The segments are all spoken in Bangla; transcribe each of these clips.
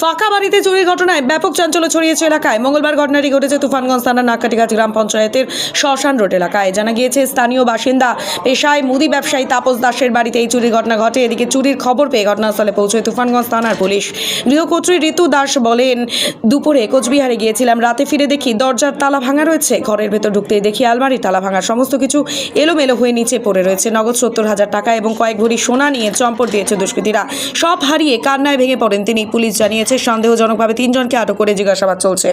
ফাঁকা বাড়িতে চুরির ঘটনায় ব্যাপক চাঞ্চল্য ছড়িয়েছে এলাকায়। মঙ্গলবার ঘটনাটি ঘটেছে তুফানগঞ্জ থানার নাককাটিগাছি গ্রাম পঞ্চায়েতের শ্মশান রোড এলাকায়। জানা গিয়েছে স্থানীয় বাসিন্দা পেশায় মুদি ব্যবসায়ী তাপস দাসের বাড়িতে এই চুরির ঘটনা ঘটে। এদিকে চুরির খবর পেয়ে ঘটনাস্থলে পৌঁছয় তুফানগঞ্জ থানার পুলিশ। গৃহকর্ত্রী ঋতু দাস বলেন, দুপুরে কোচবিহারে গিয়েছিলাম, রাতে ফিরে দেখি দরজার তালা ভাঙা রয়েছে। ঘরের ভেতর ঢুকতেই দেখি আলমারির তালা ভাঙা, সমস্ত কিছু এলোমেলো হয়ে নিচে পড়ে রয়েছে। নগদ 70,000 টাকা এবং কয়েক ভরি সোনা নিয়ে চম্পট দিয়েছে দুষ্কৃতীরা। সব হারিয়ে কান্নায় ভেঙে পড়েন তিনি। পুলিশ জানিয়েছে সন্দেহজনকভাবে 3 জনকে আটক করে জিজ্ঞাসাবাদ চলছে।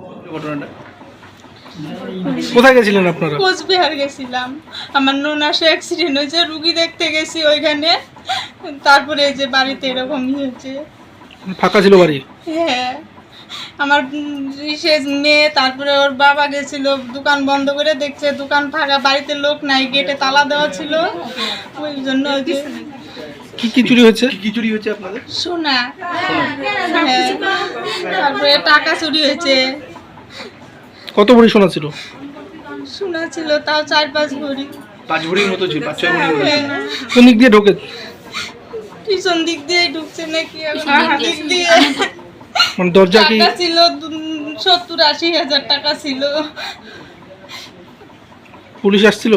কোথায় গেছিলেন আপনারা? কোচবিহার গেছিলাম, আমার ননাসে অ্যাক্সিডেন্ট হয়েছে, রুগী দেখতে গেছি ওইখানে। তারপরে এই যে বাড়িতে এরকম হয়েছে। ফাঁকা ছিল বাড়ি? হ্যাঁ, আমার বিশেষ মেয়ে, তারপরে ওর বাবা গেছিল, দোকান বন্ধ করে দেখছে দোকান ফাঁকা, বাড়িতে লোক নাই, গেটে তালা দেওয়া ছিল। ওই জন্য ওই যে কি কি চুরি হয়েছে? কি চুরি হয়েছে আপনাদের? সোনা, হ্যাঁ, তারপরে টাকা চুরি হয়েছে। কত ভরি সোনা ছিল? সোনা ছিল তাও 4-5 ভরি। 5 ভরির মতো ছিল, 5-6 ভরি। হ্যাঁ, কোন দিক দিয়ে ঢোকে? পিছন দিক দিয়ে ঢুকছে নাকি এখন দিক দিয়ে। মানে দরজা কি? টাকা ছিল 70-80 হাজার টাকা ছিল। পুলিশ আসছিল?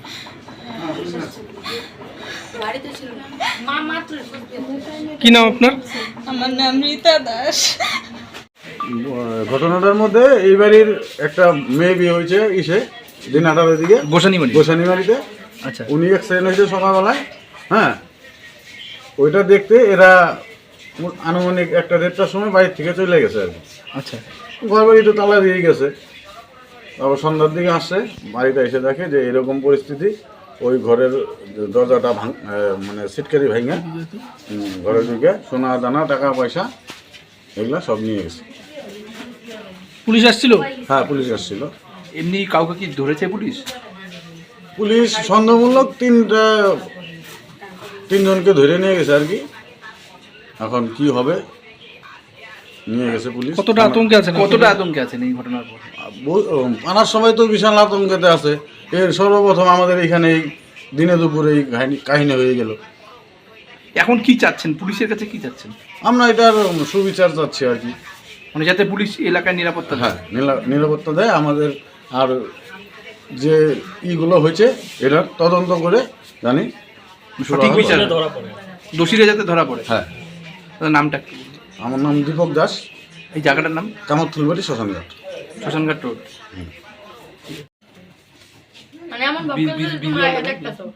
কি নাম আপনার? আমার নাম রীতা দাস। ঘটনাটার মধ্যে এই বাড়ির একটা মেয়ে বিয়ে হয়েছে দিন 18-এর দিকে গোসানি বাড়িতে। আচ্ছা, উনি অ্যাক্সিডেন্ট হয়েছে সকালবেলায়। হ্যাঁ, ওইটা দেখতে এরা আনুমানিক 1-1:30টার সময় বাড়ির থেকে চলে গেছে আর কি। আচ্ছা, ঘর বাড়ি তো তালা দিয়ে গেছে। তারপর সন্ধ্যার দিকে আসছে, বাড়িতে এসে দেখে যে এরকম পরিস্থিতি। ওই ঘরের দরজাটা মানে সিটকারি ভাঙা ঘরের দিকে সোনা দানা টাকা পয়সা এগুলা সব নিয়ে গেছে। পুলিশ আসছিল? হ্যাঁ, পুলিশ আসছিল। এমনি কাউকে কি ধরেছে পুলিশ? পুলিশ সন্দেহমূলক 3 জনকে ধরে নিয়ে গেছে আর কি। এখন কি হবে নিয়ে গেছে পুলিশ। কতটা আতঙ্কে আছেন? কতটা আতঙ্কে আছেন এই ঘটনার পর? আনার সময় তো বিশাল আতঙ্কেতে আছে। এর সর্বপ্রথম আমাদের এখানে এই দিনে দুপুরে এই কাহিনী হয়ে গেল। এখন কি চাচ্ছেন, পুলিশের কাছে কি চাচ্ছেন? আমরা এটার সুবিচার চাচ্ছি আর কি। মানে যাতে পুলিশ এলাকায় নিরাপত্তা দেয়। হ্যাঁ, নিরাপত্তা দেয় আমাদের। আর যে ইগুলো হয়েছে এটার তদন্ত করে জানি সঠিক বিচার, দোষীরা যাতে ধরা পড়ে। হ্যাঁ, তাদের নামটা কি? আমার নাম দীপক দাস। এই জায়গাটার নাম? কামারথুলবাড়ি শ্মশানঘাট। শ্মশানঘাট রোড। মানে এমন ভাবে একটা তো